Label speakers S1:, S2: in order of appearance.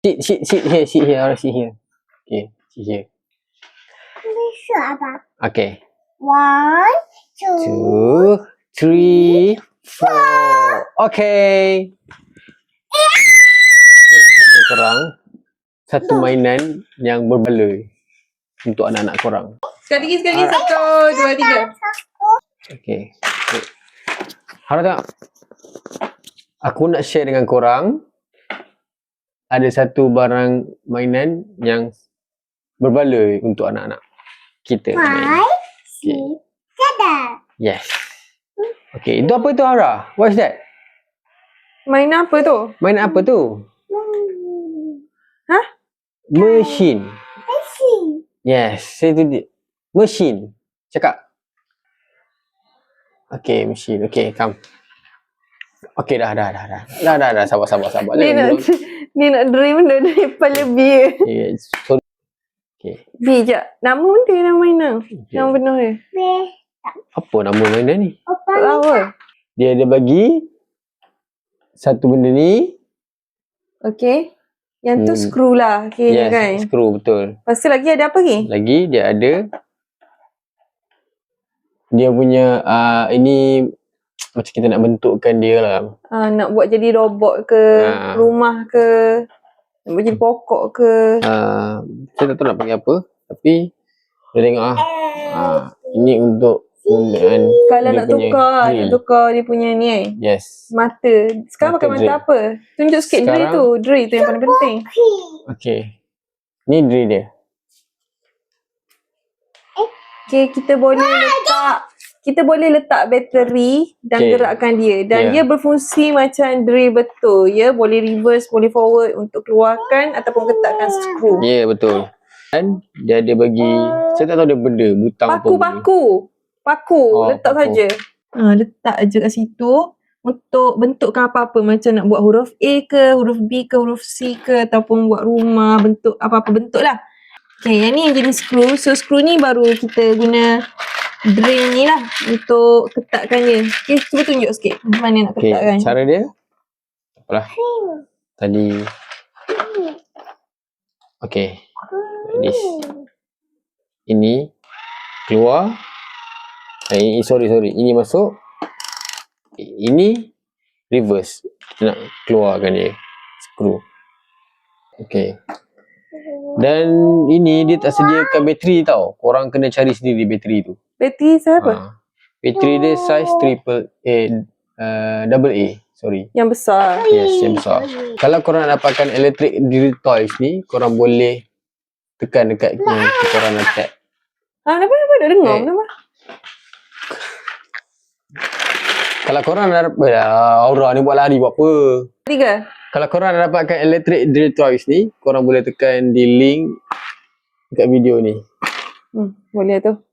S1: Sit here. Sit here. Okay, sit here. Okay.
S2: 1, 2,
S1: 2, 3, 4. Okay. Korang satu mainan yang berbaloi untuk anak-anak korang.
S3: Sekali lagi. 1, 2, 3.
S1: Okay. Harap tengok. Aku nak share dengan korang. Ada satu barang mainan yang berbaloi untuk anak-anak kita main.
S2: 5, 6, 7.
S1: Yes. Okay, itu apa tu Hara? What's that?
S3: Mainan apa tu?
S1: Mainan apa tu?
S3: Hah?
S1: Mesin.
S2: Mesin.
S1: Yes, saya tu dia. Mesin. Cakap. Okay, mesin. Okay, come. Okay, dah. Sabar.
S3: Dia nak dream benda daripada lebih.
S1: Okay, sorry. Okay.
S3: B je. Nama benda nama mainan.
S1: Okay.
S3: Nama benar dia.
S1: Apa nama mainan ni?
S3: Apa?
S1: Dia ada bagi satu benda ni.
S3: Okay. Yang tu screw lah. Okay,
S1: Yes,
S3: kan?
S1: screw, betul.
S3: Lepas tu lagi ada apa lagi?
S1: Lagi dia ada dia punya ini macam kita nak bentukkan dia lah.
S3: Nak buat jadi robot ke, rumah ke, nak buat jadi pokok ke.
S1: Saya tak tahu nak panggil apa, tapi dia tengok ini untuk penggunaan
S3: Kalau
S1: dia
S3: nak
S1: punya
S3: tukar,
S1: drill.
S3: nak tukar dia punya ni
S1: Yes.
S3: mata. Sekarang
S1: Mata
S3: pakai mata
S1: drill.
S3: apa? Tunjuk sikit drill tu. Drill tu yang paling penting.
S1: Okay. Ni drill dia.
S3: Okay, kita boleh letak bateri dan gerakkan dia. Dan dia berfungsi macam drill betul. Ya, boleh reverse, boleh forward untuk keluarkan ataupun ketatkan skru.
S1: Ya, betul. Dan dia ada bagi, saya tak tahu dia benda, butang apa benda.
S3: Paku. Letak
S1: paku.
S3: saja. Letak je kat situ untuk bentukkan apa-apa. Macam nak buat huruf A ke, huruf B ke, huruf C ke, ataupun buat rumah, bentuk apa-apa bentuk lah. Okay, yang ni yang jenis skru. So, skru ni baru kita guna drill ni lah untuk ketatkan dia. Okay, cuba tunjuk sikit macam mana nak ketatkan.
S1: Okay, cara dia apalah. Tadi okay. This. Ini keluar. Sorry. Ini masuk. Ini reverse. Kita nak keluarkan dia. Skru. Okay. Dan ini dia tak sediakan bateri tau. Korang kena cari sendiri bateri tu.
S3: Bateri siapa?
S1: Bateri dia size double A. Sorry.
S3: Yang besar.
S1: Yes, yang besar. Kalau korang nak dapatkan electric drill toys ni, korang boleh tekan dekat yang korang nak tap.
S3: Kenapa dah dengar nama?
S1: Kalau korang nak dapat Aura ni buat lari buat apa?
S3: 3.
S1: Kalau korang nak dapatkan electric drill toys ni, korang boleh tekan di link dekat video ni.
S3: Boleh tu.